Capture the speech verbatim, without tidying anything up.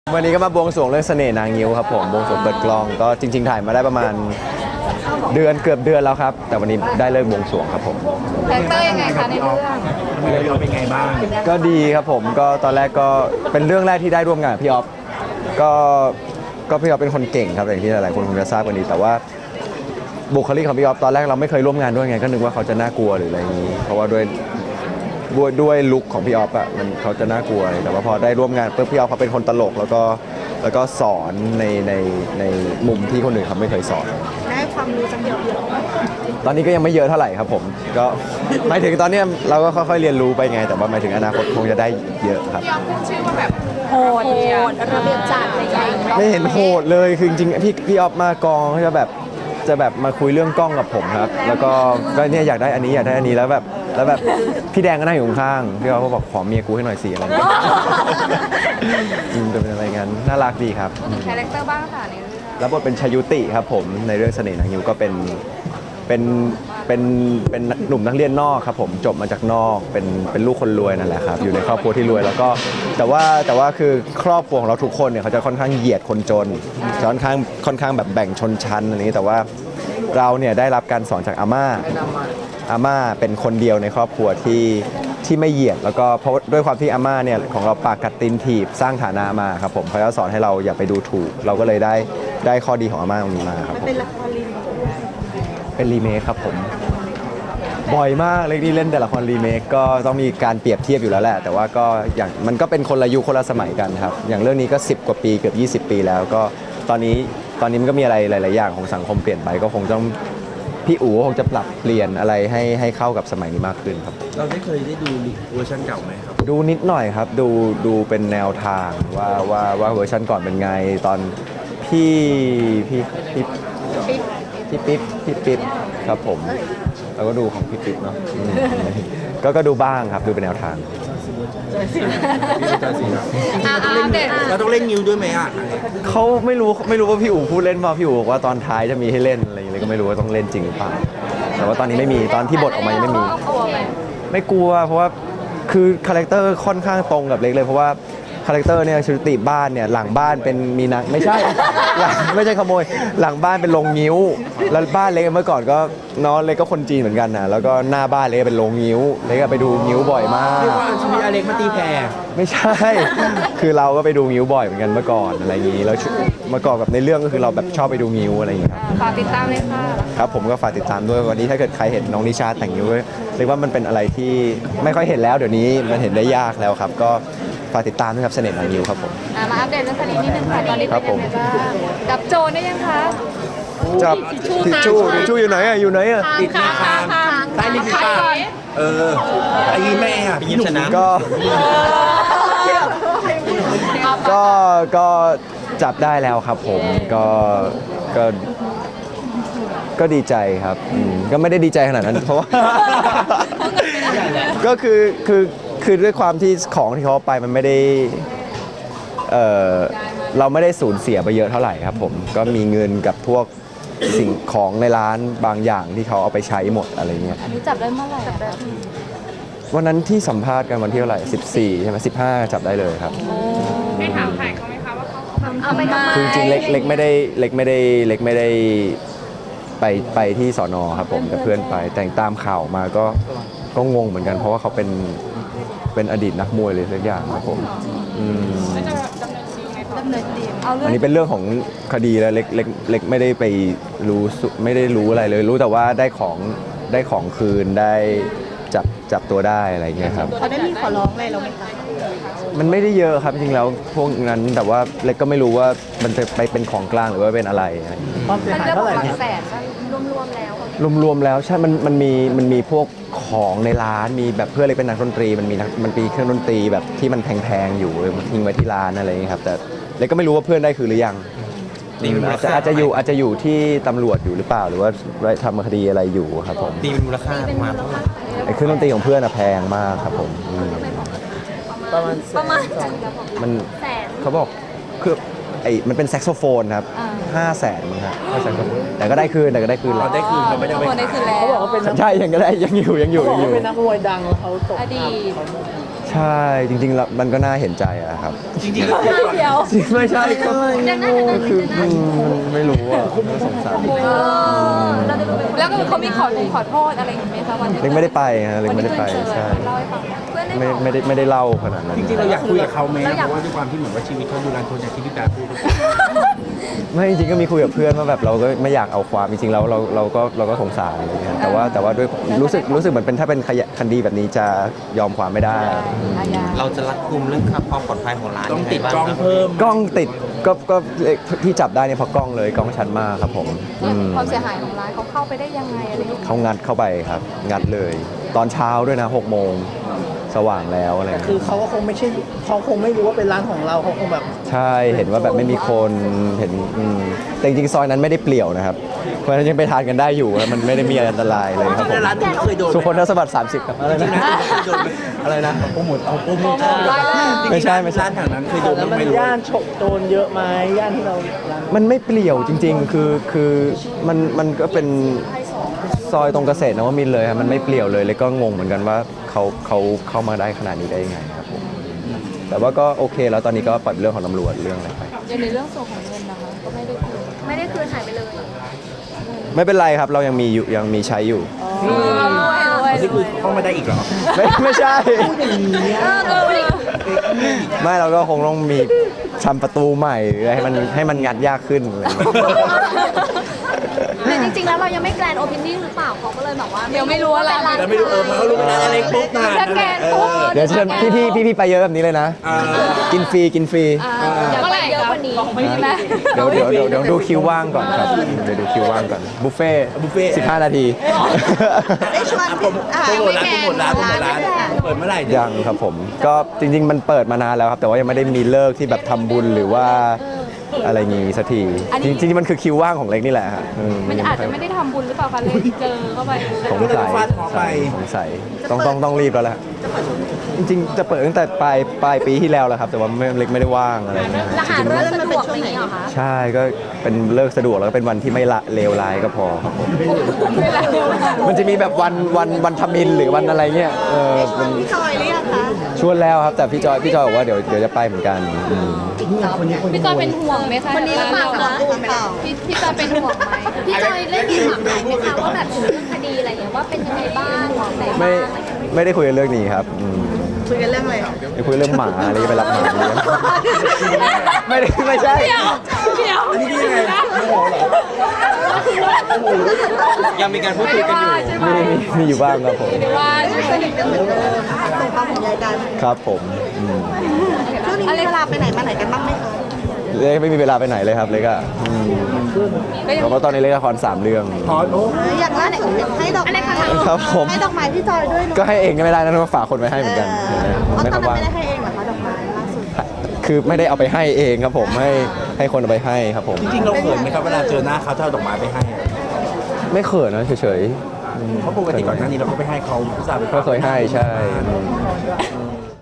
วันนี้ก็มาบวงสรวงเรื่องเสน่ห์นางงิ้วครับผมบวงสรวงเปิดกล้องก็จริงๆถ่ายมาได้ประมาณเดือนเกือบเดือนแล้วครับแต่วันนี้ได้เลิกบวงสรวงครับผมคาแรคเตอร์ยังไงคะในเรื่องเรื่องเราเป็นไงบ้างก็ดีครับผมก็ตอนแรกก็เป็นเรื่องแรกที่ได้ร่วมงานกับพี่ออฟก็ก็พี่ออฟเป็นคนเก่งครับอย่างที่หลายๆคนคงจะทราบกันดีแต่ว่าบุคลิกของพี่ออฟตอนแรกเราไม่เคยร่วมงานด้วยไงก็นึกว่าเขาจะน่ากลัวหรืออะไรอย่างนี้เพราะว่าด้วยด้วยด้วยลุคของพี่ออฟอะมันเขาจะน่ากลัวแต่ว่าพอได้ร่วมงานปุ๊บพี่ออฟเขาเป็นคนตลกแล้วก็แล้วก็สอนในในในมุมที่คนอื่นเขาไม่เคยสอนได้ความรู้จังเยอะตอนนี้ก็ยังไม่เยอะเท่าไหร่ครับผมก็หมายถึงตอนนี้เราก็ค่อยๆเรียนรู้ไปไงแต่ว่าหมายถึงอนาคตคงจะได้เยอะครับพี่ออฟขึ้นชื่อว่าแบบโหดระเบียบจัดอะไรอย่างเงี้ยไม่เห็นโหดเลยคือจริงๆพี่พี่ออฟมากองเขาจะแบบจะแบบมาคุยเรื่องกล้องกับผมครับแล้วก็ก็เนี่ยอยากได้อันนี้อยากได้อันนี้แล้วแบบแล้วแบบพี่แดงก็นั่งอยู่ข้างพี่ออฟก็บอกขอเมียกูให้หน่อยสิอะไรเงี้ยจริงจะเป็นอะไรงั้นน่ารักดีครับคาแรคเตอร์บ้างค่ะในเรื่องแล้วบทเป็นชยุติครับผมในเรื่องเสน่ห์นางงิ้วก็เป็นเป็นเป็นเป็นหนุ่มนักเรียนนอกครับผมจบมาจากนอกเป็นเป็นลูกคนรวยนั่นแหละครับอยู่ในครอบครัวที่รวยแล้วก็แต่ว่าแต่ว่าคือครอบครัวของเราทุกคนเนี่ยเขาจะค่อนข้างเหยียดคนจนค่อนข้างค่อนข้างแบบแบ่งชนชั้นอะไรนี้แต่ว่าเราเนี่ยได้รับการสอนจากอาม่าอาม่าเป็นคนเดียวในครอบครัวที่ที่ไม่เหยียดแล้วก็เพราะด้วยความที่อาม่าเนี่ยของเราปากกัดตีนถีบสร้างฐานะมาครับผมเขาจะสอนให้เราอย่าไปดูถูกเราก็เลยได้ได้ข้อดีของอาม่าตรงนี้มาครับผมเป็นละครรีเมคเป็นรีเมคครับผมบ่อยมากเลยที่เล่นแต่ละครรีเมคก็ต้องมีการเปรียบเทียบอยู่แล้วแหละแต่ว่าก็อย่างมันก็เป็นคนละยุคคนละสมัยกันครับอย่างเรื่องนี้ก็สิบกว่าปีเกือบยี่สิบปีแล้วก็ตอนนี้ตอนนี้มันก็มีอะไรหลายๆอย่างของสังคมเปลี่ยนไปก็คงต้องพี่อู๋คงจะปรับเปลี่ยนอะไรให้ให้เข้ากับสมัยนี้มากขึ้นครับเราได้เคยได้ดูเวอร์ชันเก่าไหมครับดูนิดหน่อยครับดูดูเป็นแนวทางว่าว่าว่าเวอร์ชันก่อนเป็นไงตอนพี่พี่พี่พี่ปิ๊บพี่ปิ๊บครับผมเราก็ดูของพี่ปิ๊บเนาะก็ก็ดูบ้างครับดูเป็นแนวทางเราต้องเล่นนิ้วด้วยไหมอ่ะเขาไม่รู้ไม่รู้ว่าพี่อู๋พูดเล่นมาพี่อู๋บอกว่าตอนท้ายจะมีให้เล่นอะไรอย่างเงี้ยก็ไม่รู้ว่าต้องเล่นจริงหรือเปล่าแต่ว่าตอนนี้ไม่มีตอนที่บทออกมายังไม่มีไม่กลัวเพราะว่าคือคาแรคเตอร์ค่อนข้างตรงกับเล็กเลยเพราะว่าคาแรคเตอร์เนี่ยชุติบ้านเนี่ยหลังบ้านเป็นมีนางไม่ใช่หลังไม่ใช่ขโมยหลังบ้านเป็นโรงงิ้วแล้วบ้านเล็กเมื่อก่อนก็น้องเล็กก็คนจีนเหมือนกันนะแล้วก็หน้าบ้านเล็กเป็นโรงงิ้วเล็กไปดูงิ้วบ่อยมากเรียกว่าชีวิตอเล็กมาตีแพรไม่ใช่คือเราก็ไปดูงิ้วบ่อยเหมือนกันเมื่อก่อนอะไรอย่างนี้แล้วเมื่อก่อนกับในเรื่องก็คือเราแบบชอบไปดูงิ้วอะไรอย่างนี้ครับฝากติดตามเลยค่ะครับผมก็ฝากติดตามด้วยวันนี้ถ้าเกิดใครเห็นน้องนิชาแต่งงิ้วเรียกว่ามันเป็นอะไรที่ไม่ค่อยเห็นแล้วเดี๋ยวนี้มันเห็นได้ยากแล้วครับก็ฝากติดตามด้วยครับเสน่ห์นางงิ้วครับผมมาอัปเดตเรื่องคดีนิดนึงค่ะตอนนี้เป็นยังไงบ้างจับโจรได้ยังคะจับทิชชู่ทิชชู่อยู่ไหนอ่ะอยู่ไหนอ่ะติดหน้าคางใต้ลิ้นปีปากเออไอ้แม่อ่ะพี่ชนะก็ก็ก็จับได้แล้วครับผมก็ก็ก็ดีใจครับก็ไม่ได้ดีใจขนาดนั้นเพราะว่าก็คือคือคือด้วยความที่ของที่เขาไปมันไม่ได้เออเราไม่ได้สูญเสียไปเยอะเท่าไหร่ครับผมก็มีเงินกับพวกสิ่งของในร้านบางอย่างที่เขาเอาไปใช้หมดอะไรเงี้ยอันนี้จับได้เมื่อไหร่วันนั้นที่สัมภาษณ์กันวันที่เท่าไหร่สิบสี่ใช่ไหมสิบห้าจับได้เลยครับได้ถามใครเขาไหมคะว่าเขาเอาไปทำไมคือจริงๆเล็กเล็กไม่ได้เล็กไม่ได้เล็กไม่ได้ไปไปที่สอนอครับผมแต่เพื่อนไปแต่ตามข่าวมาก็ก็งงเหมือนกันเพราะว่าเขาเป็นเป็นอดีตนักมวยเลยสักอย่างครับผมอันนี้เป็นเรื่องของคดีแล้วเล็กเล็กเล็กไม่ได้ไปรู้ไม่ได้รู้อะไรเลยรู้แต่ว่าได้ของได้ของคืนได้จับจับตัวได้อะไรเงี้ยครับเขาได้มีขอร้องอะไรเราไหมคะมันไม่ได้เยอะครับจริงๆแล้วพวกนั้นแต่ว่าเล็กก็ไม่รู้ว่ามันจะไปเป็นของกลางหรือว่าเป็นอะไรความเสียหายเท่าไหร่แสนรวมๆแล้วรวมๆแล้วใช่มันมันมีมันมีพวกของในร้านมีแบบเพื่อนเล็กเป็นนักดนตรีมันมีมันมีเครื่องดนตรีแบบที่มันแพงๆอยู่ทิ้งไว้ที่ร้านอะไรอย่างนี้ครับแต่เล็กก็ไม่รู้ว่าเพื่อนได้คือหรือยังอาจจะอาจจะอยู่อาจจะอยู่ที่ตำรวจอยู่หรือเปล่าหรือว่าทำคดีอะไรอยู่ครับผมตีเป็นมูลค่าประมาณเท่าไหร่ไอ้เครื่องดนตรีของเพื่อนอะแพงมากครับผมประมาณประมาณมันเขาบอกคือไอ้มันเป็นแซกโซโฟนครับห้าแสนมั้งครับแต่ก็ได้คืนแต่ก็ได้คืนแล้วได้คืนเขาไม่ได้ไปเขาบอกว่าเป็นใช่ยังก็ได้ยังอยู่ยังอยู่ยังอยู่เป็นนักมวยดังเขาตกอดีตใช่ใช่จริงๆแล้วมันก็น่าเห็นใจอะครับจริงๆแล้วก่อนเดี๋ยวไม่ใช่ก็เดี๋ยวนะเดี๋ยวนะคืออืมไม่รู้อ่ะน่าสงสารเออแล้วก็เขามีขอขอโทษอะไรอย่างเงี้ยไหมคะวันนี้เล็กไม่ได้ไปฮะเล็กไม่ได้ไปวันนี้ใช่เล่าให้ฟังเพื่อนได้ไม่บอกไม่ได้ไม่ได้เล่าขนาดนั้นจริงๆเราอยากคุยกับเขาไหมเพราะว่าด้วยความที่เหมือนว่าชีวิตเขาดูรันทนอย่างที่พี่แต่พูดไม่จริงๆก็มีคุยกับเพื่อนว่าแบบเราก็ไม่อยากเอาความจริงๆแล้วเราเราก็เราก็สงสารอะไรเงี้ยแต่ว่าแต่ว่าด้วยรู้สึกรู้สึกเหมือนเป็นถ้าเป็นคดีแบบนี้จะยอมความไม่ได้อาญาเราจะรัดกุมเรื่องความปลอดภัยของร้านต้องยังไงติดบ้างกล้องครับเพิ่มกล้องติดก็ก็ที่จับได้เนี่ยเพราะกล้องเลยกล้องชัดมากครับผมอืมความเสียหายของร้านเขาเข้าไปได้ยังไงอะไรอย่างเงี้ยเขางัดเข้าไปครับ งัดเลย ตอนเช้าด้วยนะหกโมงสว่างแล้วอะไรแต่คือเขาก็คงไม่ใช่เขาคงไม่รู้ว่าเป็นร้านของเราเขาคงแบบใช่เห็นว่าแบบไม่มีคนเห็นอืมแต่จริงๆซอยนั้นไม่ได้เปลี่ยวนะครับ เพราะฉะนั้นยังไปทานกันได้อยู่แล้วมันไม่ได้มีอันตรายเลยครับผมร้านนี้เคยโดนสุคนทศวรรษสามสิบครับอะไรนะโดนไหมอะไรนะโปรโมทเอาโปรโมทไม่ใช่ไม่ใช่ร้านแถวนั้นเคยโดนแล้วบ้างมันไหมรู้ย่านฉกโจรเยอะไหมย่านที่เราร้านมันไม่เปลี่ยวจริง ๆ คือคือมันมันก็เป็นซอยตรงเกษตรนวมินทร์เลยครับมันไม่เปลี่ยวเลยเลยก็งงเหมือนกันว่าเขาเขาเข้ามาได้ขนาดนี้ได้ยังไงครับผมแต่ว่าก็โอเคแล้วตอนนี้ก็ปล่อยเป็นเรื่องของตำรวจเรื่องอะไรไปอย่างในเรื่องส่วนของเงินนะคะก็ไม่ได้คืนไม่ได้คืนหายไปเลยไม่เป็นไรครับเรายังมีอยู่ยังมีใช้อยู่นี่คือเข้ามาได้อีกเหรอไม่ไม่ใช่เออเออไม่เราก็คงต้องมีทำประตูใหม่หรือให้มันให้มันงัดยากขึ้นอะไรอย่างเงี้ยแต่จริงๆแล้วเรายังไม่แกรนด์โอเพนนิ่งหรือเปล่าเขาก็เลยแบบว่าเดี๋ยวไม่รู้อะไรแล้วไม่รู้เออเขารู้เป็นร้านอะไรปุ๊บนานถ้าแกรนด์ปุ๊บเดี๋ยวเชิญพี่พี่พี่พี่ไปเยอะแบบนี้เลยนะอ่ากินฟรีกินฟรีเดี๋ยวไปเยอะกว่านี้ใช่ไหมเดี๋ยวเดี๋ยวเดี๋ยวเดี๋ยวดูคิวว่างก่อนครับเดี๋ยวดูคิวว่างก่อนบุฟเฟ่บุฟเฟ่ต์สิบห้านาทีได้ชวนโปรโมทโปรโมทร้านโปรโมทร้านโปรโมทร้านเปิดเมื่อไหร่ยังครับผมก็จริง ๆ มันเปิดมานานแล้วครับ แต่ว่ายังไม่ได้มีเลิกที่แบบทำบุญหรือว่าอะไรงี้สักทีจริงๆมันคือคิวว่างของเล็กนี่แหละฮะอืมันอาจจะไม่ได้ทำบุญหรือเปล่าคะเลยเจอเข้าไปสงสัยสงสัยต้องต้องต้องรีบแล้วแหละจริงๆจะเปิดตั้งแต่ปลายปลายปีที่แล้วแล้วครับ แต่ว่าไม่เล็กไม่ได้ว่างอะไรเงี้ยรหัสเรื่องสะดวกอะไรอย่างเงี้ยเหรอคะใช่ก็เป็นเลิกสะดวกแล้วก็เป็นวันที่ไม่ละเลวร้ายก็พอครับผมมันจะมีแบบวันวันวันทมินหรือวันอะไรเงี้ยเออมันพี่จอยหรือยังคะชวนแล้วครับแต่พี่จอยพี่จอยบอกว่าเดี๋ยวเดี๋ยวจะไปเหมือนกันอืมพี่จอยเป็นห่วงไหมคะคนนี้หรือเปล่าคะพี่พี่จอยเป็นห่วงไหมพี่จอยได้ยินถามไหนไหมคะว่าแบบถึงเรื่องคดีอะไรอย่างเงี้ยว่าเป็นยังไงบ้างไหนไม่บ้างไม่ได้คุยกันเรื่องนี้ครับอืมคุยกันเรื่องอะไรไปคุยเรื่องหมาอะไรจะไปรับหมาเลี้ยงไม่ได้ไม่ใช่เดี๋ยวเดี๋ยวอันนี้ยังไงโมโหเหรอยังมีการพูดคุยกันอยู่มีมีมีอยู่บ้างครับผมว่าใช่ไหมส่งความห่วงใยกันครับผมอืมช่วงนี้มีเวลาไปไหนมาไหนกันบ้างไหมคะเล็กไม่มีเวลาไปไหนเลยครับเล็กอะอืมเพราะว่าตอนนี้เล็กละครสามเรื่องพอโอ้อยากล่าสุดให้ดอกไม้ครับผมให้ดอกไม้พี่จอยด้วยเนาะก็ให้เองก็ไม่ได้นะต้องฝากคนไปให้เหมือนกันอ๋อไม่ตอนครับนั้นว่าไม่ได้ให้เองเหรอคะดอกไม้ล่าสุดคือไม่ได้เอาไปให้เองครับผมให้ให้คนเอาไปให้ครับผมจริงๆเราเขินไหมครับเวลาเจอหน้าเขาถ้าเอาดอกไม้ไปให้อะไม่เขินนะเฉยเพราะปกติก่อนหน้านี้เราก็ไปให้เขาผู้สาวไปๆก็เคยให้ใช่อืม